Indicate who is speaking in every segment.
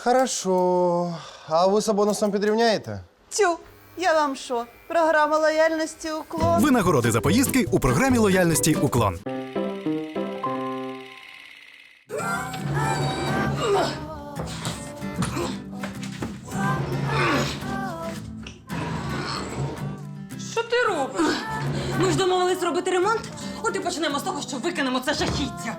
Speaker 1: Хорошо. А ви з бонусом підрівняєте?
Speaker 2: Тю, я вам що? Програма лояльності «Уклон».
Speaker 3: Винагороди за поїздки у програмі лояльності «Уклон».
Speaker 4: Що ти робиш? Ми ж домовились робити ремонт. От і почнемо з того, що викинемо це жахіття.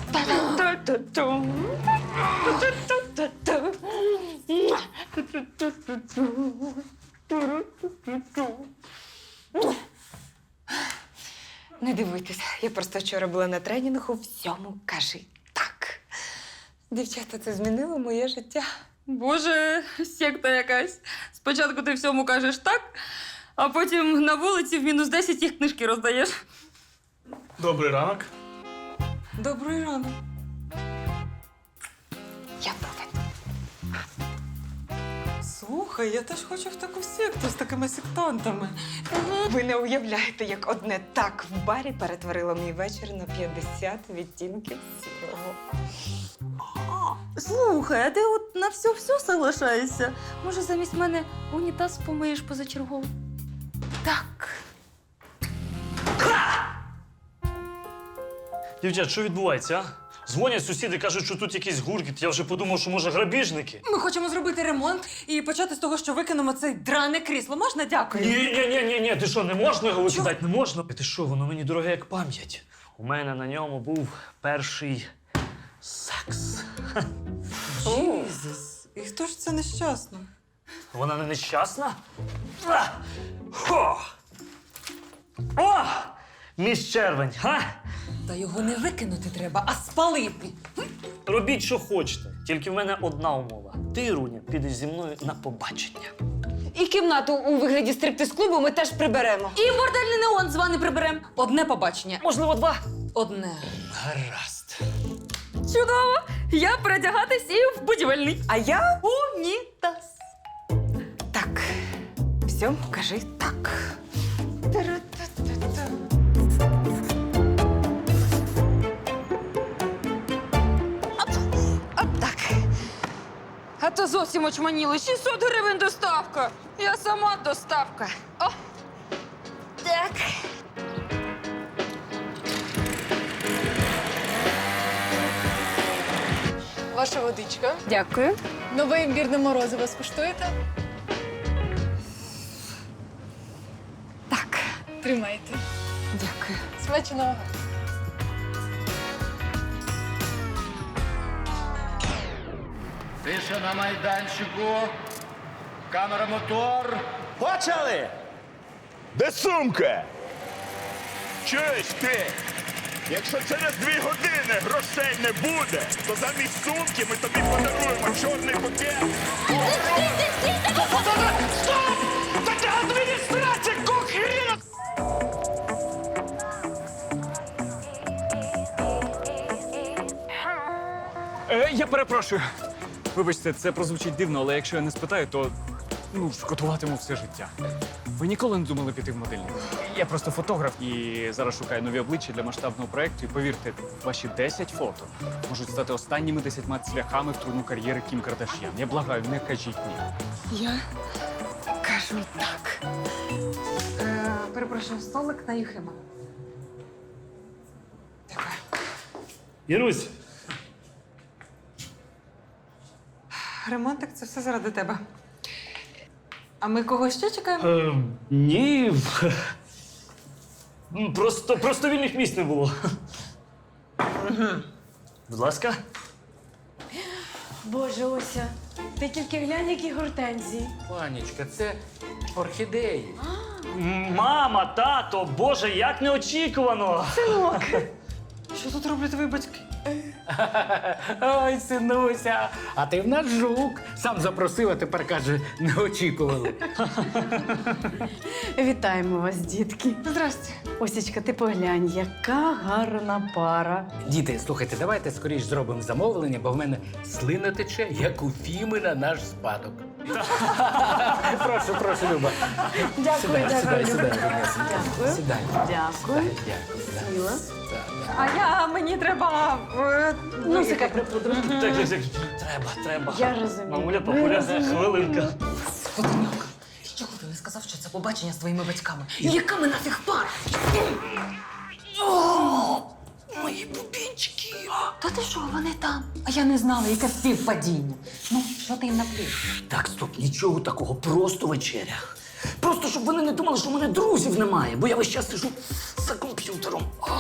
Speaker 5: Не дивуйтесь, я просто вчора була на тренінгу «Всьому кажи так». Дівчата, це змінило моє життя.
Speaker 4: Боже, секта якась. Спочатку ти всьому кажеш так, а потім на вулиці в мінус 10 їх книжки роздаєш.
Speaker 6: Добрий ранок.
Speaker 4: Добрий ранок.
Speaker 5: Я повинна.
Speaker 4: Слухай, я теж хочу в таку секту з такими сектантами.
Speaker 5: Ви не уявляєте, як одне так в барі перетворило мій вечір на 50 відтінків сірого.
Speaker 4: Слухай, а ти от на все соглашаєшся? Може, замість мене унітаз помиєш позачергово?
Speaker 5: Так.
Speaker 6: Дівчат, що відбувається, а? Дзвонять сусіди, кажуть, що тут якийсь гуркіт. Я вже подумав, що, може, грабіжники.
Speaker 4: Ми хочемо зробити ремонт і почати з того, що викинемо це дране крісло. Можна? Дякую.
Speaker 6: Ні, ти що, не можна його викидати? Не можна? Ти що, воно мені дороге як пам'ять. У мене на ньому був перший секс.
Speaker 4: Єзус. І хто ж це нещасно?
Speaker 6: Вона не нещасна? Хо! О! Міс Червень, га?
Speaker 4: Та його не викинути треба, а спалити.
Speaker 6: Робіть, що хочете. Тільки в мене одна умова. Ти, Руня, підеш зі мною на побачення.
Speaker 5: І кімнату у вигляді стриптиз-клубу ми теж приберемо.
Speaker 4: І бордельний неон з вами приберемо. Одне побачення.
Speaker 6: Можливо, два.
Speaker 4: Одне.
Speaker 6: Гаразд.
Speaker 4: Чудово! Я передягатись і в будівельний.
Speaker 5: А я?
Speaker 4: Унітаз.
Speaker 5: Так. Всьому кажи так. Оп, так.
Speaker 4: А то зовсім очманіли. 600 гривень доставка. Я сама доставка. О!
Speaker 5: Так.
Speaker 7: Ваша водичка.
Speaker 5: Дякую.
Speaker 7: Нове імбірне морозиво скуштуєте?
Speaker 5: Так.
Speaker 7: Тримайте.
Speaker 5: Дякую.
Speaker 7: Смачного.
Speaker 8: Тиша на майданчику. Камера, мотор.
Speaker 9: Почали! Де сумка? Чуєш ти? Якщо через 2 години грошей не буде, то замість сумки ми тобі подаруємо чорний пакет. Стоп! Це адміністрація, кохріна!
Speaker 10: Я перепрошую. Вибачте, це прозвучить дивно, але якщо я не спитаю, то шкодуватиму все життя. Ви ніколи не думали піти в модельник? Я просто фотограф і зараз шукаю нові обличчя для масштабного проєкту. І повірте, ваші 10 фото можуть стати останніми 10 цвяхами в трудну кар'єри Кім Кардаш'ян. Я благаю, не кажіть ні.
Speaker 5: Я кажу так.
Speaker 4: Перепрошую, столик на Юхима.
Speaker 6: Ірусь,
Speaker 4: Ремонтик, це все заради тебе. А ми кого ще чекаємо?
Speaker 6: ні. Просто вільних місць не було. Будь ласка.
Speaker 7: Боже, Ося, ти тільки глянь, які гортензії.
Speaker 8: Панічка, це орхідеї.
Speaker 6: Мама, тато, Боже, як неочікувано.
Speaker 4: Що тут роблять твої батьки?
Speaker 8: Ой, синуся, а ти в нас жук. Сам запросив, а тепер каже, не очікували.
Speaker 11: Вітаємо вас, дітки.
Speaker 4: Здрасте.
Speaker 11: Осічка, ти поглянь, яка гарна пара.
Speaker 8: Діти, слухайте, давайте скоріш зробимо замовлення, бо в мене слина тече, як у Фіми на наш спадок. Прошу, Люба.
Speaker 11: Дякую,
Speaker 8: Сідай,
Speaker 11: Люба.
Speaker 8: Дякую. Сідай.
Speaker 11: Дякую.
Speaker 8: Дякую.
Speaker 11: Сіла.
Speaker 4: А мені треба...
Speaker 11: Носика припудру.
Speaker 6: Так. треба.
Speaker 11: Я розумію.
Speaker 6: Мамуля, папуля, хвилинка.
Speaker 5: Чого ти не сказав, що це побачення з твоїми батьками? Яка ми нафіг пара? Мої бубінчики. Та ти що, вони там? А я не знала, яке співпадіння. Ну, що ти їм наплів?
Speaker 6: Так, стоп, нічого такого, просто вечеря. Просто щоб вони не думали, що в мене друзів немає, бо я весь час сижу за комп'ютером.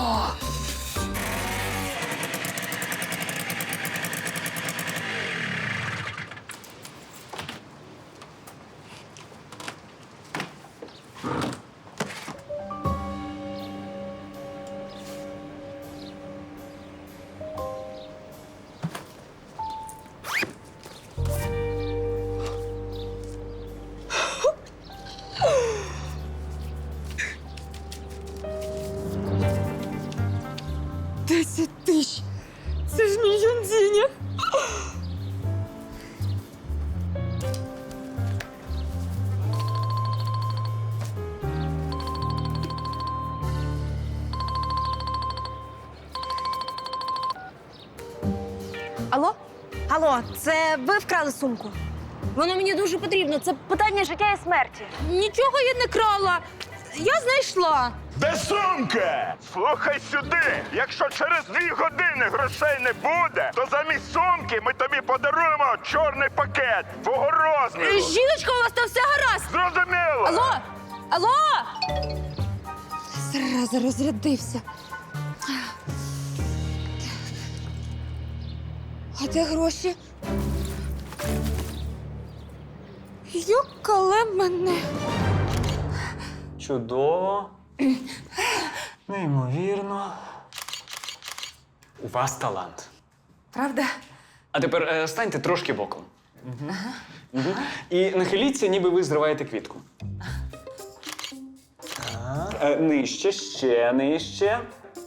Speaker 4: Це ж мільйон денег.
Speaker 12: Алло? Алло, це ви вкрали сумку? Воно мені дуже потрібно. Це питання життя і смерті. Нічого я не крала. Я знайшла.
Speaker 9: Де сумка? Слухай сюди. Якщо через 2 години грошей не буде, то замість сумки ми тобі подаруємо чорний пакет твого розміру.
Speaker 12: Жіночка, у вас там все гаразд.
Speaker 9: Зрозуміло?
Speaker 12: Алло? Алло? Зараза, розрядився. А де гроші? Юкале мене.
Speaker 10: Чудово. Неймовірно. У вас талант.
Speaker 5: Правда?
Speaker 10: А тепер станьте трошки боком. І нахиліться, ніби ви зриваєте квітку. Так. Нижче, ще нижче.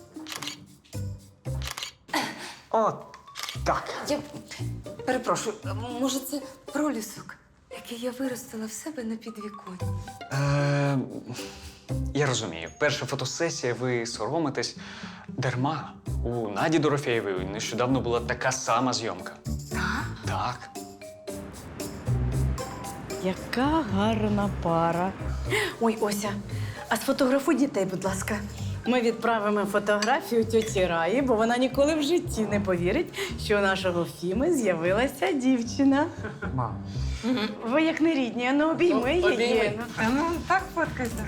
Speaker 10: О, так.
Speaker 5: Я перепрошую, може це пролісок, який я виростила в себе на підвіконні?
Speaker 10: Я розумію. Перша фотосесія, ви соромитесь дарма. У Наді Дорофєєвої нещодавно була така сама зйомка. Так.
Speaker 11: Яка гарна пара. Ой, Ося, а сфотографуй дітей, будь ласка. Ми відправимо фотографію тьоті Раї, бо вона ніколи в житті не повірить, що у нашого Фіми з'явилася дівчина.
Speaker 10: Мам.
Speaker 11: Ви як не рідні, а ну обійми її.
Speaker 5: Ну, так фоткайся.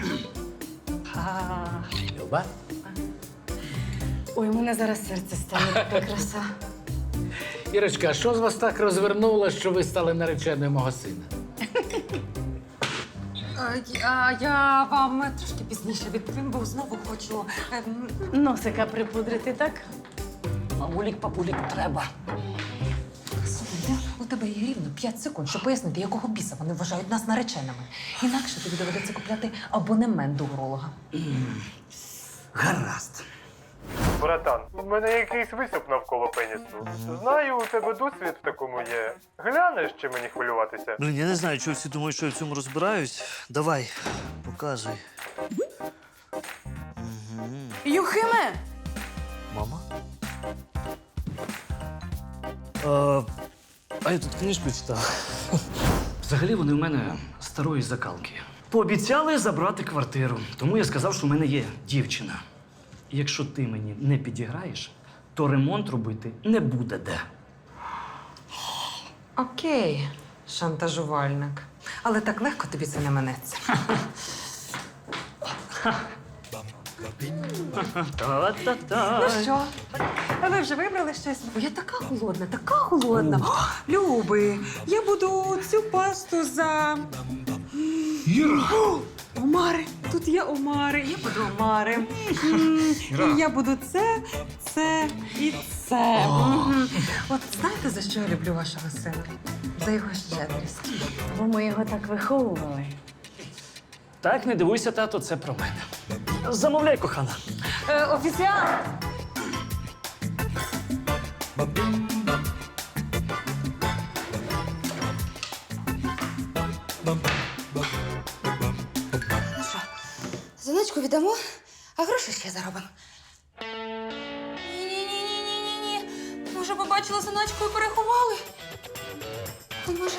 Speaker 8: Люба?
Speaker 11: Ой, у мене зараз серце стане, така краса.
Speaker 8: Ірочка, а що з вас так розвернуло, що ви стали нареченою мого сина?
Speaker 5: Я вам трошки пізніше відповім, бо знову хочу.
Speaker 11: Носика припудрити, так?
Speaker 5: Мамулік, папулік, треба. Слухай, у тебе є рівно 5 секунд, щоб пояснити, якого біса вони вважають нас нареченими. Інакше тобі доведеться купляти абонемент до уролога.
Speaker 6: Гаразд.
Speaker 1: Братан, у мене якийсь висип навколо пенісу. Знаю, у тебе досвід в такому є. Глянеш, чи мені хвилюватися?
Speaker 13: Блін, я не знаю, чого всі думають, що я в цьому розбираюсь. Давай, показуй.
Speaker 7: Юхиме!
Speaker 13: Мама? А я тут книжку читав.
Speaker 6: Взагалі вони в мене старої закалки. Пообіцяли забрати квартиру, тому я сказав, що в мене є дівчина. І якщо ти мені не підіграєш, то ремонт робити не буде де.
Speaker 5: Окей, шантажувальник. Але так легко тобі це не минеться.
Speaker 6: Та-та-та.
Speaker 5: Ну що? А ви вже вибрали щось? Бо я така голодна, така голодна. О, Люби, я буду цю пасту за...
Speaker 6: Іра!
Speaker 5: Омари. Тут є омари. Я буду омари. І я буду це і це. От знаєте, за що я люблю вашого сина? За його щедрість.
Speaker 11: Бо ми його так виховували.
Speaker 6: Так, не дивуйся, тато, це про мене. Замовляй, кохана.
Speaker 5: Офіціант! Ну що, заначку віддамо, а гроші ще заробимо. Ні-ні-ні-ні-ні. Може, побачила заначку і переховали?
Speaker 4: допоможе.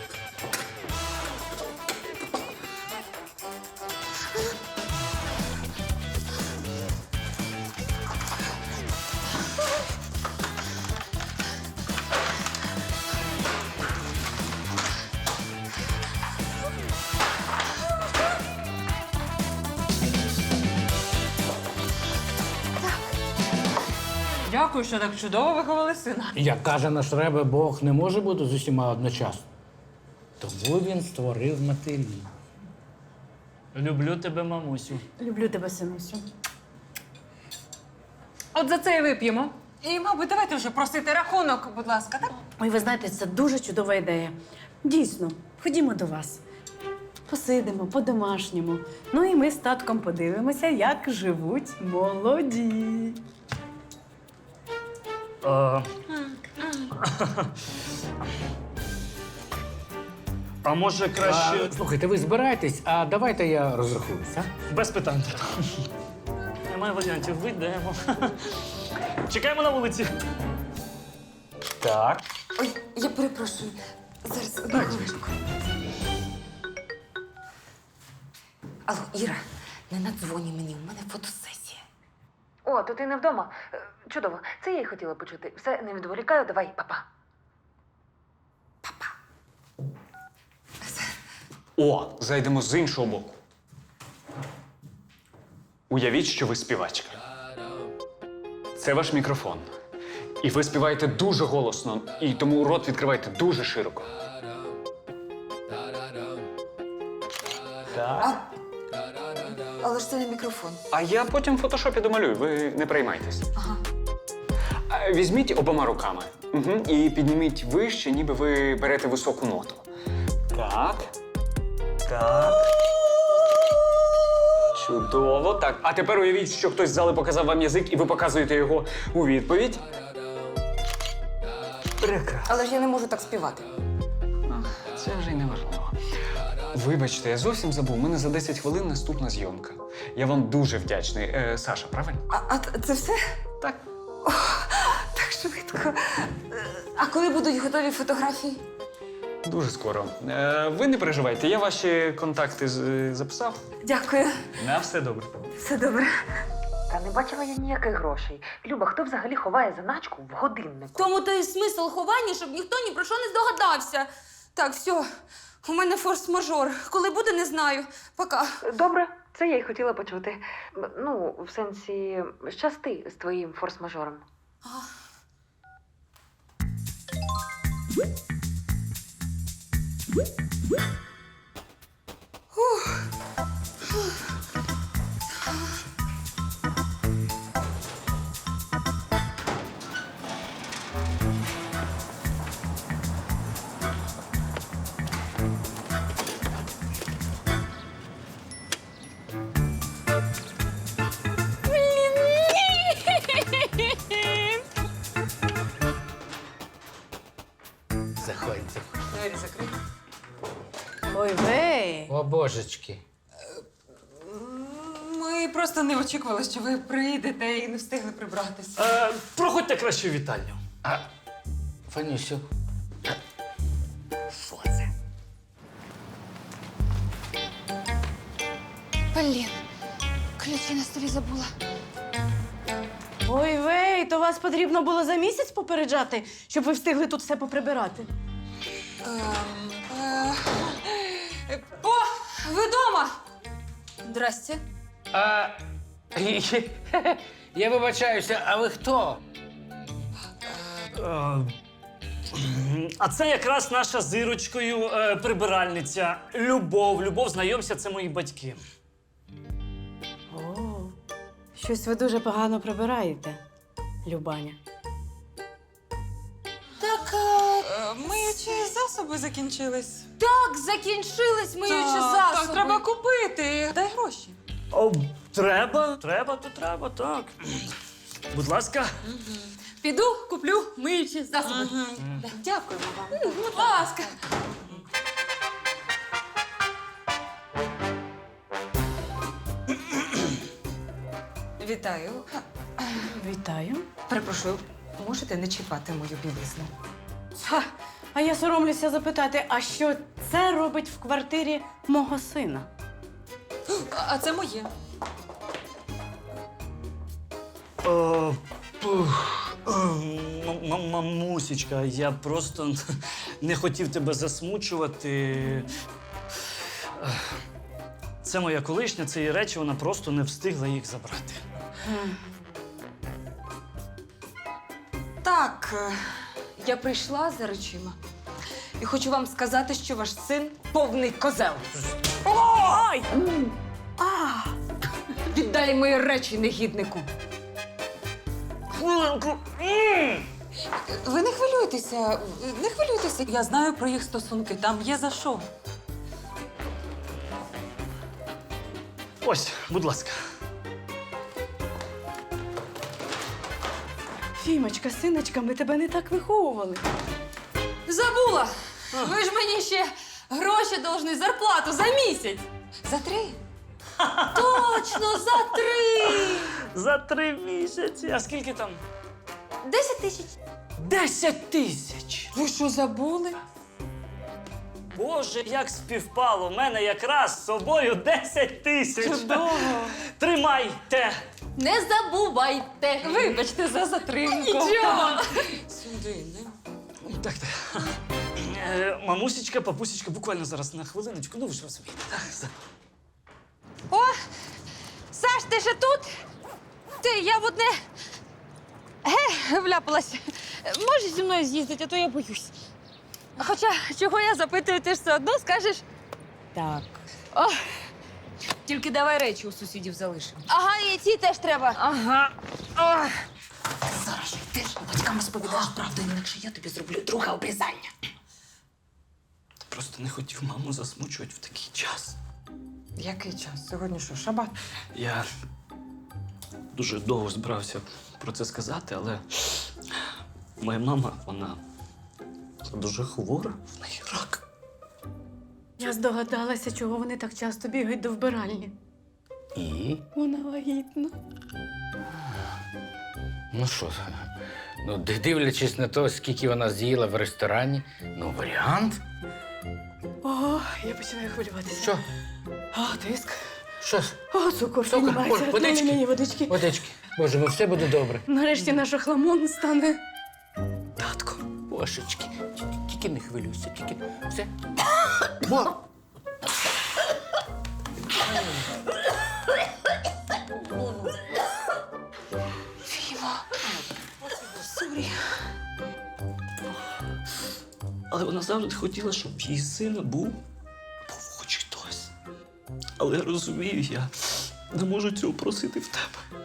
Speaker 5: Дякую, що так чудово виховали сина.
Speaker 8: Як каже наш Ребе, Бог не може бути з усіма одночасно. Тому він створив матері.
Speaker 6: Люблю тебе, мамусю.
Speaker 11: Люблю тебе, синусю.
Speaker 5: От за це і вип'ємо. І, мабуть, давайте вже просити рахунок, будь ласка, так?
Speaker 11: Ой, ви знаєте, це дуже чудова ідея. Дійсно, ходімо до вас. Посидимо по-домашньому. Ну і ми з татком подивимося, як живуть молоді.
Speaker 6: А може краще.
Speaker 8: Слухайте, ви збирайтесь, а давайте я розрахуюсь, а?
Speaker 6: Без питань. Немає варіантів, вийдемо. Чекаємо на вулиці.
Speaker 10: Так.
Speaker 4: Ой, я перепрошую. Зараз одну хвилинку. Алло, Іра, не надзвоні мені, у мене фотосесія.
Speaker 12: О, то ти не вдома. Чудово. Це я й хотіла почути. Все, не відволікаю, давай, па-па.
Speaker 10: О, зайдемо з іншого боку. Уявіть, що ви співачка. Це ваш мікрофон. І ви співаєте дуже голосно, і тому рот відкриваєте дуже широко. Так.
Speaker 4: Але ж це не мікрофон.
Speaker 10: А я потім в фотошопі домалюю, ви не переймайтесь.
Speaker 4: Ага.
Speaker 10: Візьміть обома руками і підніміть вище, ніби ви берете високу ноту. Так. Так. Чудово. Так. А тепер уявіть, що хтось з зали показав вам язик, і ви показуєте його у відповідь. Прекрасно.
Speaker 4: Але ж я не можу так співати.
Speaker 10: Це вже й не важливо. Вибачте, я зовсім забув. У мене за 10 хвилин наступна зйомка. Я вам дуже вдячний. Саша, правильно?
Speaker 4: А це все?
Speaker 10: Так.
Speaker 4: О, так швидко. А коли будуть готові фотографії?
Speaker 10: Дуже скоро. Ви не переживайте, я ваші контакти записав.
Speaker 4: Дякую.
Speaker 10: На все добре.
Speaker 4: Все добре.
Speaker 12: Та не бачила я ніяких грошей. Люба, хто взагалі ховає заначку в годиннику?
Speaker 4: Тому то і смисл ховання, щоб ніхто ні про що не здогадався. Так, все. У мене форс-мажор. Коли буде, не знаю. Пока.
Speaker 12: Добре, це я й хотіла почути. Ну, в сенсі, щасти з твоїм форс-мажором.
Speaker 8: Заходьте.
Speaker 5: Двері закриті.
Speaker 11: Ой, вей!
Speaker 8: О, божечки.
Speaker 5: Ми просто не очікували, що ви приїдете і не встигли прибратися.
Speaker 6: Проходьте краще в вітальню.
Speaker 8: Фанюсю.
Speaker 6: Що це?
Speaker 4: Блін, ключі на столі забула.
Speaker 11: Ой, вей, то вас потрібно було за місяць попереджати, щоб ви встигли тут все поприбирати.
Speaker 4: О, ви дома? Здрасте.
Speaker 8: Я вибачаюся, а ви хто?
Speaker 6: А це якраз наша з Ірочкою прибиральниця. Любов, знайомся, це мої батьки.
Speaker 11: О, щось ви дуже погано прибираєте, Любаня.
Speaker 4: Так,
Speaker 5: Миючі засоби закінчились.
Speaker 4: так, закінчились миючі засоби.
Speaker 5: Так, треба купити. Дай гроші.
Speaker 6: О, треба, так. Будь ласка.
Speaker 4: Піду, куплю миючі засоби.
Speaker 5: Дякуємо вам.
Speaker 4: Будь ласка.
Speaker 5: Вітаю.
Speaker 11: Вітаю.
Speaker 5: Перепрошую, можете не чіпати мою білизну?
Speaker 4: Ха,
Speaker 11: А я соромлюся запитати, а що це робить в квартирі мого сина?
Speaker 5: А це моє.
Speaker 6: Мамусечка, я просто не хотів тебе засмучувати. Це моя колишня, це її речі, вона просто не встигла їх забрати.
Speaker 5: Так, я прийшла за речима. І хочу вам сказати, що ваш син повний козел. Ой! Віддай мої речі, негіднику.
Speaker 6: Хвилинку.
Speaker 5: Ви не хвилюйтеся, не хвилюйтеся. Я знаю про їх стосунки, там є за що.
Speaker 6: Ось, будь ласка.
Speaker 11: Фімочка, синочка, ми тебе не так виховували.
Speaker 4: Забула! Ви ж мені ще гроші должны, зарплату за місяць.
Speaker 5: За 3?
Speaker 4: Точно, за 3!
Speaker 6: За 3 місяці. А скільки там?
Speaker 4: 10 тисяч.
Speaker 6: 10 тисяч!
Speaker 5: Ви що, забули?
Speaker 6: Боже, як співпало! У мене якраз з собою 10 тисяч!
Speaker 5: Чудово!
Speaker 6: Тримайте!
Speaker 4: Не забувайте.
Speaker 5: Вибачте за затримку.
Speaker 4: Нічого.
Speaker 5: Сюди, не?
Speaker 6: Так. Мамусечка, папусечка, буквально зараз на хвилиночку. Ну ви ж розумієте.
Speaker 4: О, Саш, ти ще тут? Я в одне вляпалась. Можеш зі мною з'їздити, а то я боюсь. Хоча, чого я запитую, ти ж все одно скажеш.
Speaker 5: Так.
Speaker 4: О,
Speaker 5: Тільки давай речі у сусідів залишимо.
Speaker 4: ага, і ці теж треба.
Speaker 5: Ага. Ох. Зараз же ти ж батькам розповідаєш правду, інакше я тобі зроблю друге обрізання.
Speaker 6: Просто не хотів маму засмучувати в такий час.
Speaker 5: Який час? Сьогодні що, шабат?
Speaker 6: Я дуже довго збирався про це сказати, але моя мама, вона дуже хвора, в неї рак.
Speaker 11: Я здогадалася, чого вони так часто бігають до вбиральні.
Speaker 8: І?
Speaker 11: Вона вагітна.
Speaker 8: Ну що, ну, дивлячись на те, скільки вона з'їла в ресторані, ну, варіант.
Speaker 11: О, я починаю хвилюватися.
Speaker 8: Що?
Speaker 11: О, тиск.
Speaker 8: Що?
Speaker 11: О, цукор піднімається.
Speaker 8: Водички.
Speaker 11: Дай мені водички.
Speaker 8: Водички. Боже, ну все буде добре.
Speaker 11: Нарешті наш охламон стане татком.
Speaker 8: Божечки, тільки не хвилюйся, тільки все. Во!
Speaker 6: Але вона завжди хотіла, щоб в її сина був хоч хтось. Але я розумію, я не можу цього просити в тебе.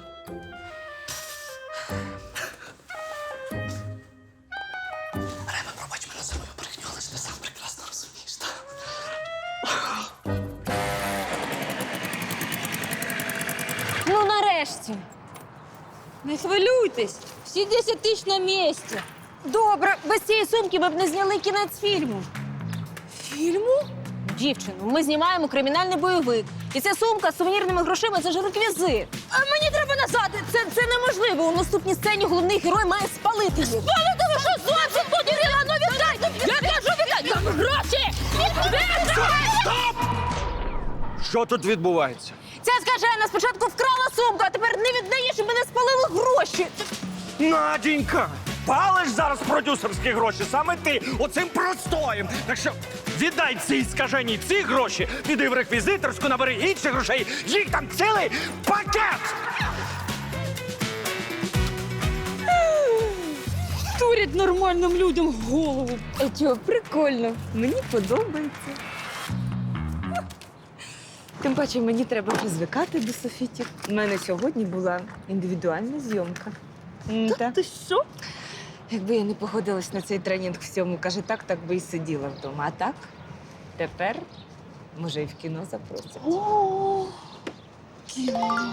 Speaker 6: Рема, пробач мене за мою брехню, але ж ти сам прекрасно розумієш, так?
Speaker 12: Ну, нарешті.
Speaker 4: Не хвилюйтесь, всі 10 тисяч на місці.
Speaker 12: Добре, без цієї сумки ми б не зняли кінець фільму.
Speaker 4: Фільму?
Speaker 12: Дівчину, ми знімаємо кримінальний бойовик. І ця сумка з сувенірними грошима – це ж реквізит. А мені треба назад. Це неможливо. У наступній сцені головний герой має спалити їх. Спалити? Ви що, зовсім подірила? Ну віддай! Я кажу, віддай! Там гроші!
Speaker 9: Стоп! Що тут відбувається?
Speaker 12: Ця скажена спочатку вкрала сумку, а тепер не віддає, щоб мене спалили гроші.
Speaker 9: Надінька! Палиш зараз продюсерські гроші, саме ти, оцим простоєм. Так що віддай цій скаженій ці гроші, піди в реквізиторську, набери інших грошей, їх там цілий пакет!
Speaker 4: Турять нормальним людям в голову.
Speaker 12: А чого, прикольно. Мені подобається. Тим паче мені треба вже звикати до софітів. У мене сьогодні була індивідуальна зйомка. Та ти що? Якби я не погодилась на цей тренінг всьому, каже, так би і сиділа вдома. А так, тепер, може, і в кіно запросять.
Speaker 4: О, кіно.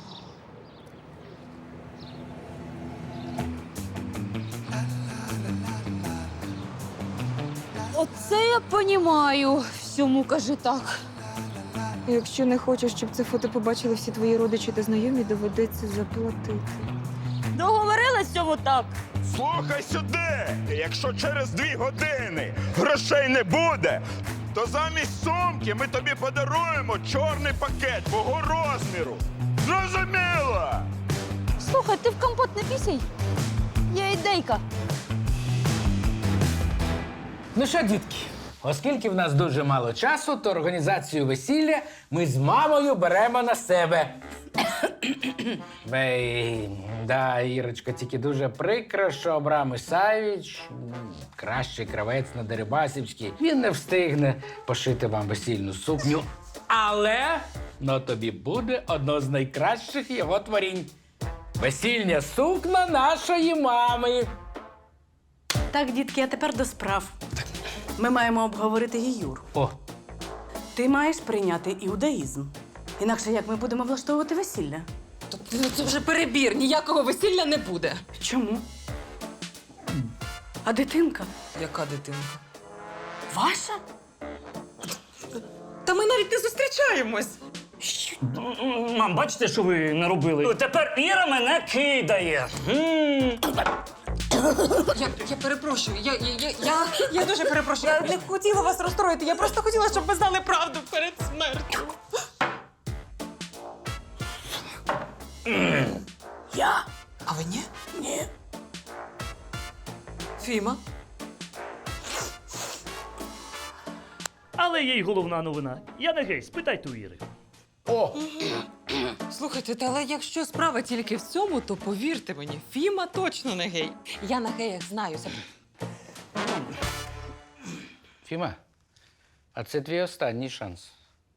Speaker 4: Оце я понімаю. Всьому каже так.
Speaker 12: Якщо не хочеш, щоб це фото побачили всі твої родичі та знайомі, доведеться заплатити.
Speaker 4: Договорилась цьому так.
Speaker 9: Слухай сюди! Якщо через 2 години грошей не буде, то замість сумки ми тобі подаруємо чорний пакет твого розміру. Зрозуміло?
Speaker 12: Слухай, ти в компот не пісяй. Є ідейка.
Speaker 8: Ну що, дітки, оскільки в нас дуже мало часу, то організацію весілля ми з мамою беремо на себе. Да, Ірочка, тільки дуже прикро, що Абрам Ісаєвич, кращий кравець на Дерибасівській, він не встигне пошити вам весільну сукню. Але тобі буде одно з найкращих його творінь. Весільня сукна нашої мами.
Speaker 11: Так, дітки, а тепер до справ. Ми маємо обговорити гіюр.
Speaker 8: О,
Speaker 11: Ти маєш прийняти іудаїзм. Інакше як ми будемо влаштовувати весілля?
Speaker 5: Це вже перебір, ніякого весілля не буде.
Speaker 11: Чому? А дитинка?
Speaker 5: Яка дитинка?
Speaker 11: Ваша?
Speaker 5: Та ми навіть не зустрічаємось.
Speaker 6: Мам, бачите, що ви наробили? Тепер Іра мене кидає.
Speaker 5: Я перепрошую, я дуже перепрошую. Я не хотіла вас розстроїти, я просто хотіла, щоб ви знали правду перед смертю.
Speaker 11: Я?
Speaker 5: А ви ні?
Speaker 11: Ні.
Speaker 5: Фіма?
Speaker 6: Але є й головна новина. Я не гей, спитайте у Іри.
Speaker 8: о,
Speaker 5: Слухайте, але якщо справа тільки в цьому, то повірте мені, Фіма точно не гей. Я на геях знаюся.
Speaker 8: Фіма, а це твій останній шанс.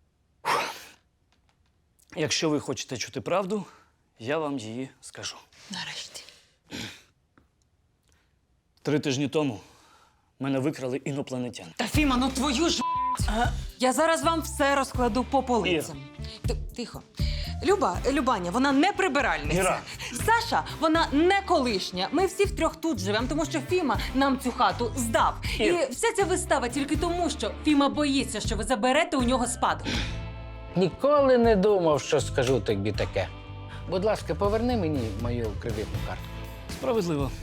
Speaker 6: Якщо ви хочете чути правду, я вам її скажу.
Speaker 5: Нарешті.
Speaker 6: 3 тижні тому мене викрали інопланетяни.
Speaker 5: Та Фіма, ну твою ж. Я зараз вам все розкладу по полицям. Тихо. Любаня, вона не прибиральниця.
Speaker 6: Іра.
Speaker 5: Саша, вона не колишня. Ми всі втрьох тут живемо, тому що Фіма нам цю хату здав.
Speaker 6: Іра.
Speaker 5: І вся ця вистава тільки тому, що Фіма боїться, що ви заберете у нього спадок.
Speaker 8: Ніколи не думав, що скажу тобі таке. Будь ласка, поверни мені мою кредитну картку.
Speaker 6: Справедливо.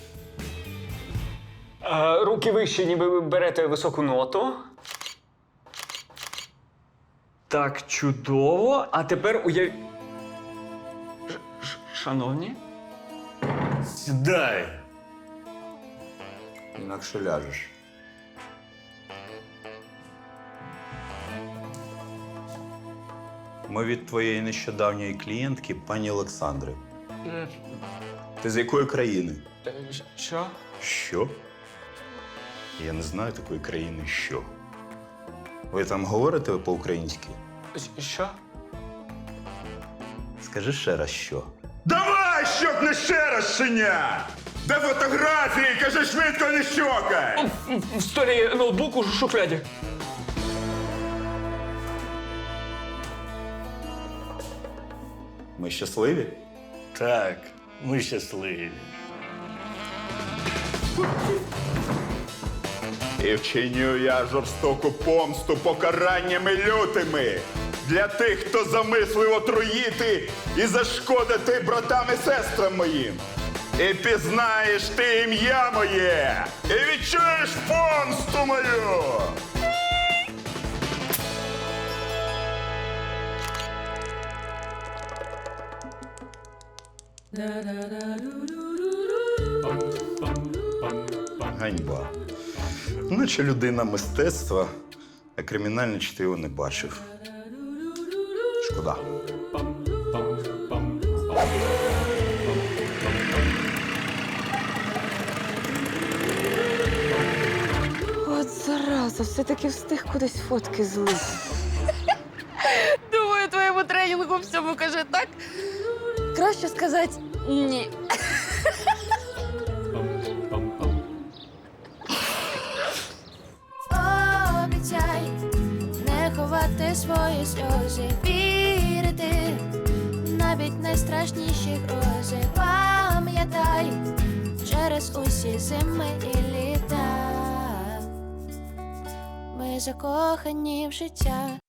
Speaker 10: Руки вище, ніби ви берете високу ноту. Так, чудово. А тепер Шановні?
Speaker 13: Сідай. Інакше ляжеш. Ми від твоєї нещодавньої клієнтки, пані Олександри. Ти з якої країни?
Speaker 10: Що?
Speaker 13: Що? Я не знаю такої країни, що. Ви там говорите по-українськи?
Speaker 10: Що?
Speaker 13: Скажи ще раз, що.
Speaker 9: Давай, щоб не ще раз, щеня! Де фотографії? Кажи швидко, не щокай!
Speaker 10: В столі ноутбуку в шухляді.
Speaker 13: Ми щасливі?
Speaker 6: Так, ми щасливі.
Speaker 9: І вчиню я жорстоку помсту покараннями лютими для тих, хто замислив отруїти і зашкодити братам і сестрам моїм. І пізнаєш ти ім'я моє, і відчуєш помсту мою.
Speaker 13: Ганьба. Наче людина мистецтва, а кримінальне чтиво не бачив. Шкода.
Speaker 12: От зараза, все-таки встиг кудись фотки злити. Думаю, твоєму тренінгу всьому каже так. Краще сказати ні.
Speaker 14: Обіцяй не ховати свої сльози, вірити навіть найстрашніші грози. Пам'ятай через усі зими і літа. Ми закохані в життя,